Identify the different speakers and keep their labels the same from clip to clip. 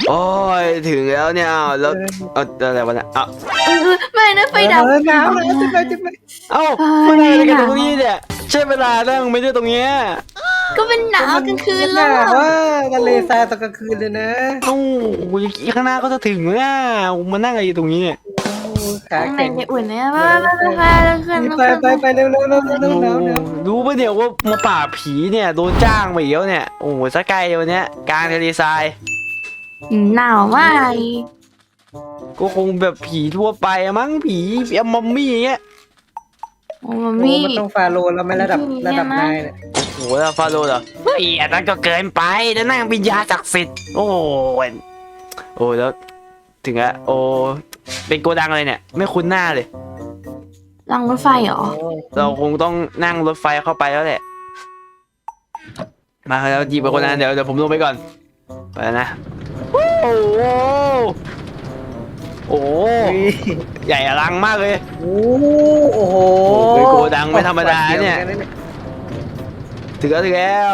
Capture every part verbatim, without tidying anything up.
Speaker 1: โอ้ยถึงแล้วเนี่ยแล้วเอาอะไรวะเนี่ยเอา
Speaker 2: ไม่นะไฟดับ
Speaker 3: หนาวเลยจะไปจะไป
Speaker 1: เอ้ามานั่งอะไรกันตรงนี้เนี่ยใช่เวลานั่งไม่ได้ตรงเนี้ย
Speaker 2: ก็เป็นหนาวกลางคืน
Speaker 3: ห
Speaker 2: แล้
Speaker 3: นาว วว่าทะเลทรายตอนกลางคืนเลยนะ
Speaker 1: เอ้าอีกข้างหน้าก็จะถึงแล้วมานั่งอะไรอยู่ตรงนี้เนี่ย
Speaker 3: ขา
Speaker 2: ข้างใน
Speaker 3: แข็ง
Speaker 2: จะอุ่นเนี่ยไปไปไปขึ้น
Speaker 3: ไปไปไปเร็วเร็วเร็วเร็วเร็วเร็ว
Speaker 1: รู้ปะเนี่ยว่ามาป่าบผีเนี่ยโดนจ้างมาอีกแล้วเนี่ยโอ้โหสักไกลวันเนี้ยกลางทะเลทราย
Speaker 2: หนาวมาก
Speaker 1: ก็คงแบบผีทั่วไปอะมั้งผีอมัมมี่อย่างเงี้ย
Speaker 2: โอ้มั
Speaker 3: โอ้
Speaker 2: มมี่
Speaker 3: มันต้องฟาโลแล้วไม่ระดับระดับนายเนี่ย
Speaker 1: โอ้โหแล้วฟาโรห์เหรอเฮ้ยอันนั้นก็เกินไปแล้วนั่งวิญญาณศักดิ์สิทธิ์โอ้ยโอ้แล้วถึงอะโอ้เป็นโกดังอะไรเนี่ยไม่คุ้นหน้าเลย
Speaker 2: รางรถไฟเหรอ
Speaker 1: เราคงต้องนั่งรถไฟเข้าไปแล้วแหละมาแล้วหยิบไปคนนั้นเดี๋ยวเดี๋ยวผมลงไปก่อนไปแล้วนะโอ้โหโอ้โหใหญ่อลังมากเลย
Speaker 3: โอ้โอ้โห
Speaker 1: เป็นโกดังไม่ธรรมดาเนี่ยถึงแล้วถึงแล้ว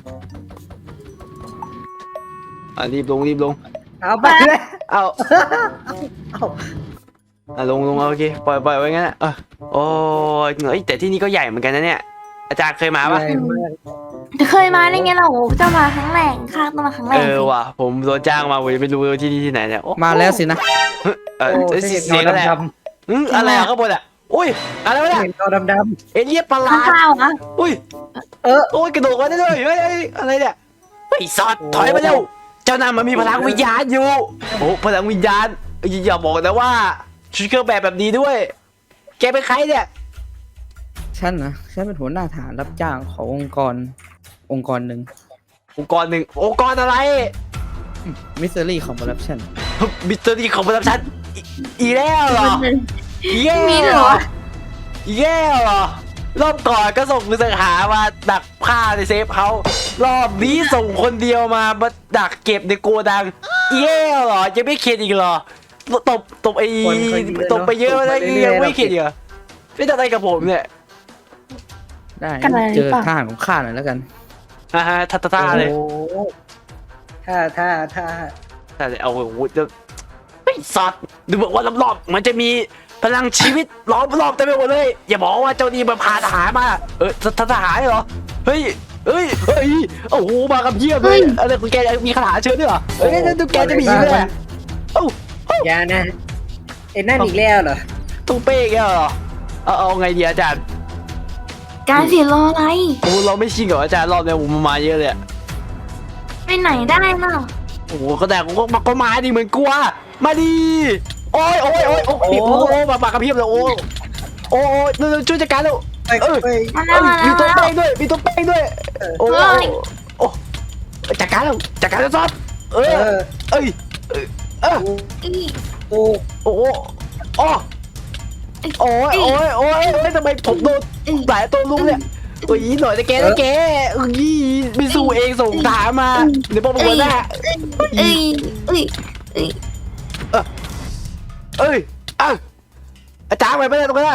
Speaker 1: อ่ะรีบลงรีบลง
Speaker 3: เอาไปเลย
Speaker 1: เอา
Speaker 3: เอา
Speaker 1: อ่ะลงลงเอาโอเคปล่อยปล่อยไว้งั้นอ่ะเออโอ้ยเอ้ยแต่ที่นี่ก็ใหญ่เหมือนกันนะเนี่ยอาจารย์เคยมาปะ
Speaker 3: ใหญ่มาก
Speaker 2: จะเคยมาได้ไงเราจะมาครั้งแรกข้าต้องมาครั้งแร
Speaker 1: เอก อว่ะผมโดนจ้างมาผมยังไม่รู้ว่าที่นี่ที่ไหนเนี่ยโอ้
Speaker 4: มาแล้วสินะ
Speaker 1: เออ
Speaker 3: โอ้
Speaker 1: เอ้ย
Speaker 3: เห็น
Speaker 1: เสียง
Speaker 3: เงา
Speaker 1: อะไร
Speaker 3: ด
Speaker 1: อะอืมอะไรอะข้างบนอะอุ้ยอะไรวะ
Speaker 3: ำ
Speaker 1: เนี่ย
Speaker 3: เห็นเงาดำ
Speaker 1: เอเลี่ยนประหลา
Speaker 2: ข้า
Speaker 1: ด
Speaker 2: วๆนะ
Speaker 1: อุ้ย
Speaker 3: ๆเออ
Speaker 1: โอ้ยกระโดดมาได้ด้วยเฮ้ยเฮ้ยอะไรเนี่ยเฮ้ยซอดถอยมาเร็วเจ้านายมันมีพลังวิญญาณอยู่โอ้พลังวิญญาณอย่าอย่าบอกนะว่าชุดเครื่องแบบแบบนี้ด้วย แกเป็นใครเนี่ย
Speaker 4: ฉันนะฉันเป็นหัวหน้าฐานรับจ้างขององค์กรองค์กรหนึ่ง
Speaker 1: องค์กรหนึ่งองค์กรอะไร
Speaker 4: มิสเตอรี่ของ Corruption
Speaker 1: มิสเตอรี่ของประจำชั้นอีอีแล้วเหรออีแย่
Speaker 2: มี
Speaker 1: เห
Speaker 2: เห
Speaker 1: ร
Speaker 2: ร
Speaker 1: อ
Speaker 2: อ
Speaker 1: อีแย่เหรอรอบก่อนก็ส่งมือสังหามาดักฆ่าในเซฟเขารอบนี้ส่งคนเดียวมามาดักเก็บในโกดังอีแย่เหรอยังไม่เข็ดอีกเหรอตบตบไอ้ตบไปเยอะแล้วยังไม่เข็ดอีกเหรอไม่จะอะไรกับผมเนี่ย
Speaker 4: ได้
Speaker 2: กันอะไร
Speaker 4: เจอ
Speaker 2: หรือเปล่า
Speaker 4: ทหารของข้าหน่อยแล้วกัน
Speaker 1: ฮ่าฮ่าท่าท่าเลย
Speaker 3: โอ้โหท่าท่าท่า
Speaker 1: ท่าเลยเอาโอ้โหจะไม่สัตว์ดูบอกว่ารอบๆมันจะมีพลังชีวิตล้อมรอบเต็มไปหมดเลยอย่าบอกว่าเจ้านี่มันพาทหารมาเออทหารเหรอเฮ้ยเฮ้ยเฮ้ยโอ้โหมากับเพียบเลยอะไรคุณแกมีคาถาเชิญด้วยเหรอเฮ้ยนั่นดูแกจะมีด้วยเอ้า
Speaker 3: อย่านะไอ้นั่นอีกแล้วเหรอ
Speaker 1: ตุ้งเป้แกเหรอเอาเอาไงดีอาจารย์
Speaker 2: การเสียรออะไร
Speaker 1: โอ้เราไม่ชิงกับอาจารย์รอบนี้ผมมาเยอะเลย
Speaker 2: ไปไหนได้เนาะ
Speaker 1: โอ้โหก็แต่ก็มาก็มาดิเหมือนกลัวมาดิโอ้ยโอ้ยโอ้ยโอ้ยโอ้โหมามากับเพียบเลยโอ้โอ้ยช่วยจัดการแล้ว
Speaker 3: ไป
Speaker 1: เออ
Speaker 3: ไป
Speaker 2: มาแล้วมา
Speaker 1: มี
Speaker 2: แล้ว
Speaker 1: ตัว
Speaker 2: มาแล้ว
Speaker 1: แป้งด้วย มีตัวแป้งด้วย โอ้โอ้จัดการแล้วจัดการแล้วซอสเอ
Speaker 3: เอ
Speaker 1: อ
Speaker 3: อ
Speaker 1: เอ้ยเออ
Speaker 2: อี
Speaker 3: โอ้
Speaker 1: โอ้โอ้โอ้ยโอ้ยโอ้ยโอ้ยทำไมผมโดนหลายตัวลุงเนี่ยโอ้ยหน่อยนะแกนะแกเอ้ยไม่สู้เองส่งถามมาเดี๋ยวบอกหัวหน้า
Speaker 2: เอ้ยเอ้ยเอ้ย
Speaker 1: เอ้ยอ้าวอาจารย์ไปไม่ได้ตรงนั้น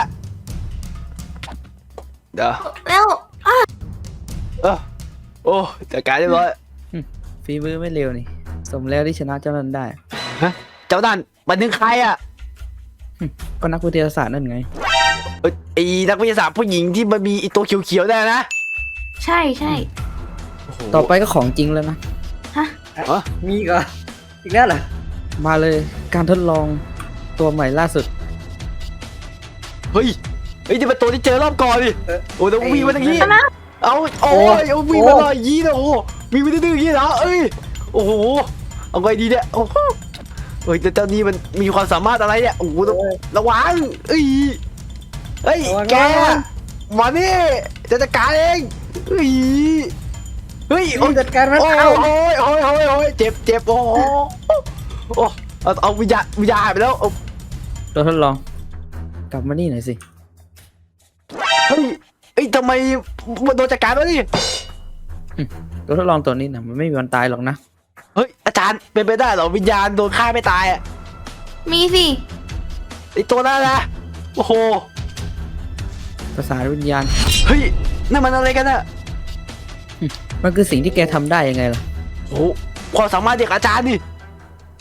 Speaker 1: เดี๋ยว
Speaker 2: แล้ว
Speaker 1: เออโอ้จัดการเรียบร้อย
Speaker 4: ฝีมือไม่เร็วนี่ สมแล้วที่ชนะเจ้านั้นได้
Speaker 1: ฮะเจ้านั่นมันถึงใครอ่ะ
Speaker 4: ก็นักวิทยาศาสตร์นั่นไง
Speaker 1: เอ้ยไอ้นักวิทยาศาสตร์ผู้หญิงที่มันมีไอ้ตัวเขียวๆได้นะ
Speaker 2: ใช่ใช่
Speaker 4: ต่อไปก็ของจริงแล้วนะ
Speaker 2: ฮะ
Speaker 1: อ๋อ
Speaker 3: มีอีกเหรออีกแล้วเหรอ
Speaker 4: มาเลยการทดลองตัวใหม่ล่าสุด
Speaker 1: เฮ้ยเฮ้ยนี่เป็นตัวที่เจอรอบก่อนดิ
Speaker 3: เออ
Speaker 1: โอ้ต้องวิ่งมาทางนี้
Speaker 2: มาแล้ว
Speaker 1: เอาโอ้ยเอาวิ่งมาหน่อยยี้นะโอ้วิ่งมาดื้อๆยี้นะเอ้ยโอ้โหเอาไงดีเนี่ยโอ้โหเฮ้ยแต่เจ้านี่มันมีความสามารถอะไรเนี่ยโอ้โหต้องระวังเอ้ยเฮ้ยแกมานี่จะจัดการเองเฮ้ยเฮ้ย
Speaker 3: ต้องจัดการมัน
Speaker 1: โอ้ย
Speaker 3: เอา
Speaker 1: โอ้ยโอ้ยโอ้ยโอ้ยเจ็บเจ็บโอ้โหโอ้เอาเอาวิญญาณวิญญาณหายไปแล้ว
Speaker 4: ตัวทดลอง กลับมานี่หน่อยสิ
Speaker 1: เฮ้ยเอ้ยทำไมมันโดนจัดการวะนี่
Speaker 4: ตัวทดลองตัวนี้นะมันไม่มีวันตายหรอกนะ
Speaker 1: เฮ้ยอาจารย์เป็นไปได้เหรอวิญญาณโดนฆ่าไม่ตายอ่ะ
Speaker 2: มีสิ
Speaker 1: ไอตัวนั้นนะโอ้โห
Speaker 4: ภาษาวิญญาณ
Speaker 1: เฮ้ยนั่นมันอะไรกันอะ
Speaker 4: มันคือสิ่งที่แกทำได้ยังไงล่ะ
Speaker 1: โอ้โหความสามารถเด็กอาจารย์นี่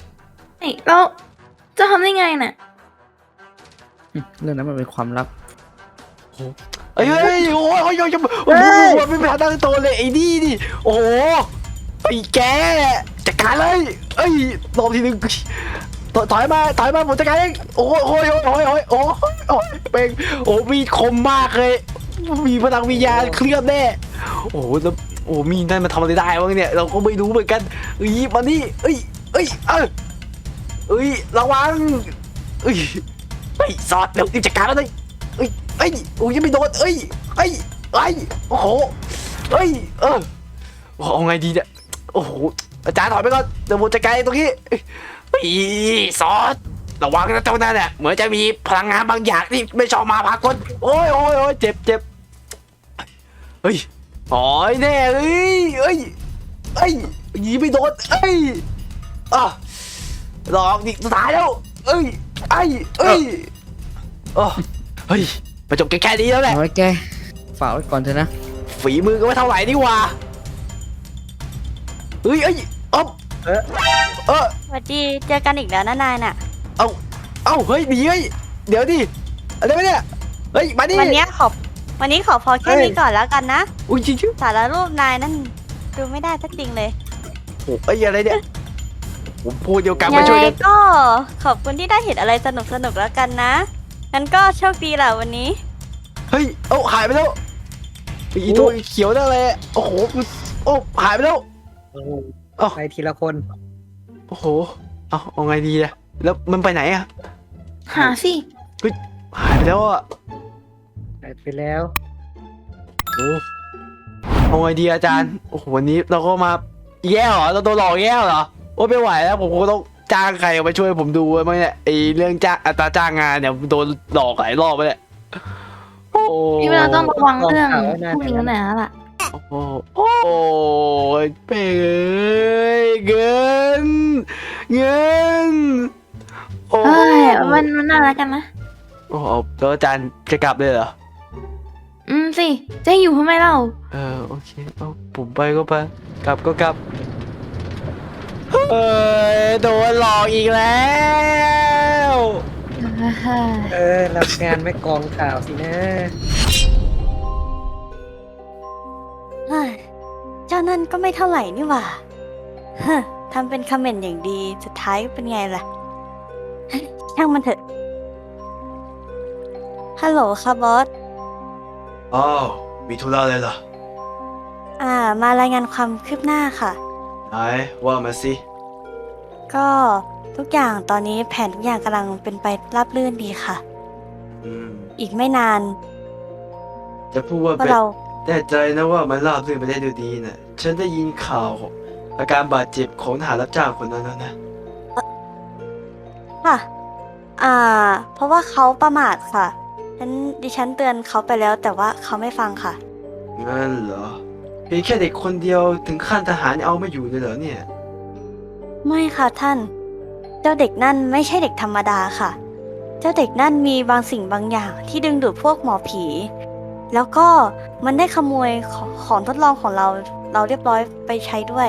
Speaker 2: แล้วจะทำได้ไงน่ะ
Speaker 4: เรื่องนั้นมันเป็นความลับ
Speaker 1: เอ้ยเฮ้ยโอ้ยโอ้ยโอ้ยโอ้ยไม่เป็นทางตั้งตัวเลยไอ้นี่ดิโอ้โหไอ้แกจัดการเลยเอ้ยรอบทีนึงถอยมาถอยมาผมจัดการเองโอ้ยโอ้ยโอ้ยโอ้ยโอ้ยโอ้ยเป็นโอ้มีคมมากเลยมีพลังวิญญาณเคลื่อนแน่โอ้โหแล้วโอ้มีนั่นมันทำอะไรได้วะเนี่ยเราก็ไม่รู้เหมือนกันเอ้ยมานี่เอ้ยเอ้ยเออเอ้ยระวังเอ้ยไปสอดเดี๋ยวจัดการมันเลยเอ้ยเอ้ยโอ้ยยังไม่โดนเอ้ยเอ้ยเอ้ยโอ้โหเอ้ยเออเอาไงดีเนี่ยโอ้โหอาจารย์ถอยไปก่อนเดี๋ยวผมจัดการตรงนี้อีซอสระวังนะเจ้านั่นแหละเหมือนจะมีพลังงานบางอย่างที่ไม่ชอบมาพากลโอ้ยโอ้ยโอ้ยเจ็บเจ็บเฮ้ยโอ้ยแน่เอ้ยเอ้ยเอ้ยยิงไม่โดนเอ้ยอ่ะรอบนี่สุดท้ายแล้วเอ้ยไอ้เอ้ยโอ้เฮ้ยมาจบแค่นี้แล้วแหละ
Speaker 4: เอาไว้แกฝากไว้ก่อนเถอะนะ
Speaker 1: ฝีมือก็ไม่เท่าไหร่นี่หว่าเฮ้ยเอ้ยอ๊อบเออเออ
Speaker 2: สวัสดีเจอกันอีกแล้วนะนายน่ะ
Speaker 1: เอาเอาเฮ้ยหนีเฮ้ยเดี๋ยวดิอะไรวะเนี่ยเฮ้ยมาดิ
Speaker 2: วันนี้ขอวันนี้ขอพอแค่นี้ก่อนแล้วกันนะ
Speaker 1: อุ้ยจริงจริง
Speaker 2: สารรูปนายนั่นดูไม่ได้สักจริงเลย
Speaker 1: โอ้ไอ้ยอะไรเนี่ยผมพูดเดียวกัน
Speaker 2: ยั
Speaker 1: มาง ช่วย
Speaker 2: ไง
Speaker 1: กัน
Speaker 2: ก็ขอบคุณที่ได้เห็นอะไรสนุกสนุกๆแล้วกันนะงั้นก็โชคดีแหละวันนี้
Speaker 1: เฮ้ยเอ้าหายไปแล้วอีตัวเขียวนั่นเลยโอ้โหโอ้หายไปแล้ว
Speaker 3: โอ้โห
Speaker 1: เอ้า
Speaker 3: ไปทีละคน
Speaker 1: โอ้โหเอาเอาไงดีอะแล้วมันไปไหนอะ
Speaker 2: หาสิ
Speaker 1: หายไปแล้วอะ
Speaker 3: ไปไปแล้ว
Speaker 1: โอ้เอาไงดีอาจารย์โอ้โหวันนี้เราก็มาแย่เหรอเราโดนหลอกแย่เหรอโอ้ไม่ไหวแล้วผมคงต้องจ้างใครมาช่วยผมดูมั้งเนี่ยไอเรื่องจ้างอัตราจ้างงานเนี่ยโดนหลอกหลายรอบไปแล้วโอ้
Speaker 2: นี่เราต้องระวังเรื่องพวกนี้หน่อยแล้วล่ะ
Speaker 1: โอ้โหโอ้ยเป้ยเงินเงินโอ้
Speaker 2: เฮ้ยมันมันน่ารักกันนะ
Speaker 1: โอ้โหแล้วอาจารย์จะกลับเลยเหรอ
Speaker 2: อืมสิจะให้อยู่ทำไมเล่า
Speaker 1: เออโอเคเอาผมไปก็ไปกลับก็กลับเอ้ยโดนหลอกอีกแล้ว
Speaker 3: เออรับงานไม่กองข่าวสินะ
Speaker 2: เฮ้ยเจ้านั่นก็ไม่เท่าไหร่นี่หว่าเฮ้อทำเป็นคอมเมนต์อย่างดีสุดท้ายเป็นไงล่ะเฮ้ยช่างมันเถอะฮัลโหลค่ะบอส
Speaker 1: อ้าวมีธุระอะไรเหรอ
Speaker 2: อ่ามารายงานความคืบหน้าค่ะ
Speaker 1: ไหนว่ามาสิ
Speaker 2: ก็ทุกอย่างตอนนี้แผนทุกอย่างกำลังเป็นไปราบรื่นดีค่ะ
Speaker 1: อืม
Speaker 2: อีกไม่นาน
Speaker 1: จะพูดว่า
Speaker 2: พว
Speaker 1: เป็
Speaker 2: ก
Speaker 1: น
Speaker 2: เรา
Speaker 1: แน่ใจนะว่ามันราบรื่นไปได้ด้วยดีน่ะฉันได้ยินข่าวอาการบาดเจ็บของทหารรับจ้างคนนั้นแล้วนะ
Speaker 2: ค่ะ อ่า เพราะว่าเขาประมาทค่ะฉันดิฉันเตือนเขาไปแล้ว แต่ว่าเขาไม่ฟังค่ะ
Speaker 1: งั้นเหรอเพียงแค่เด็กคนเดียวถึงขั้นทหารเอาไม่อยู่เลยเหรอเนี่ย
Speaker 2: ไม่ค่ะท่าน เจ้าเด็กนั่นไม่ใช่เด็กธรรมดาค่ะ เจ้าเด็กนั่นมีบางสิ่งบางอย่างที่ดึงดูดพวกหมอผี แล้วก็มันได้ขโมยของของทดลองของเรา เราเรียบร้อยไปใช้ด้วย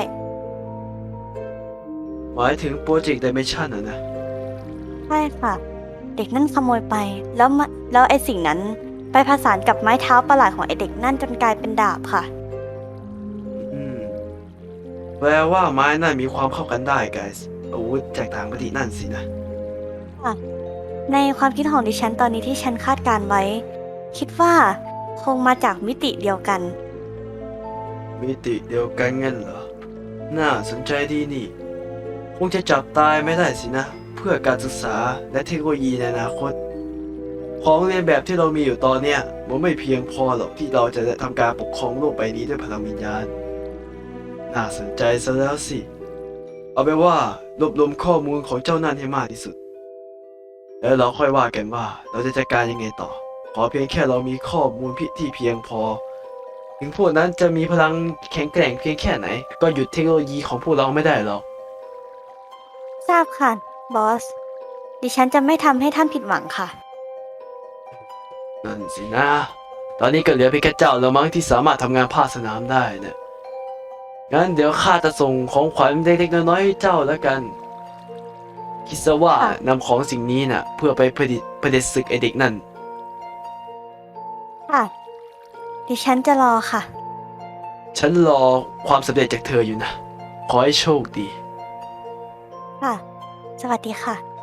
Speaker 1: หมายถึงโปรเจกต์ Dimension อ่ะนะ
Speaker 2: ใช่ค่ะ เด็กนั่นขโมยไป แล้วมาแล้วไอ้สิ่งนั้นไปผสานกับไม้เท้าประหลาดของไอ้เด็กนั่นจนกลายเป็นดาบค่ะ
Speaker 1: อืมแปลว่าไม้นั่นมีความเข้ากันได้ไกส์อาวุธจากต่างประเทศนั่นสินะ
Speaker 2: ในความคิดของดิฉันตอนนี้ที่ฉันคาดการไว้ คิดว่าคงมาจากมิติเดียวกัน
Speaker 1: มิติเดียวกันงั้นเหรอ น่าสนใจดีนี่ คงจะจับตายไม่ได้สินะ เพื่อการศึกษาและเทคโนโลยีในอนาคต ของเรียนแบบที่เรามีอยู่ตอนเนี้ยมันไม่เพียงพอหรอกที่เราจะทำการปกครองโลกใบนี้ด้วยพลังวิญญาณ น่าสนใจซะแล้วสิ เอาเป็นว่ารวบรวมข้อมูลของเจ้านั่นให้มากที่สุด แล้วเราค่อยว่ากันว่าเราจะจัดการยังไงต่อ ขอเพียงแค่เรามีข้อมูลที่เพียงพอ ถึงพวกนั้นจะมีพลังแข็งแกร่งเพียงแค่ไหน ก็หยุดเทคโนโลยีของพวกเราไม่ได้หรอก
Speaker 2: ทราบค่ะ บอส ดิฉันจะไม่ทำให้ท่านผิดหวังค่ะ
Speaker 1: นั่นสินะ ตอนนี้ก็เหลือเพียงแค่เจ้าแล้วมั้งที่สามารถทำงานภาคสนามได้เนี่ยงั้นเดี๋ยวข้าจะส่งของขวัญเล็กๆน้อยๆให้เจ้าแล้วกันคิดซะว่า
Speaker 2: ค่ะ
Speaker 1: นำของสิ่งนี้น่ะ เพื่อไปผลิตผลิตศึกไอเด็กนั่น
Speaker 2: ค่ะ ดิฉันจะรอค่ะ
Speaker 1: ฉันรอความสำเร็จจากเธออยู่นะ ขอให้โชคดี
Speaker 2: ค่ะ สวัสดีค่ะ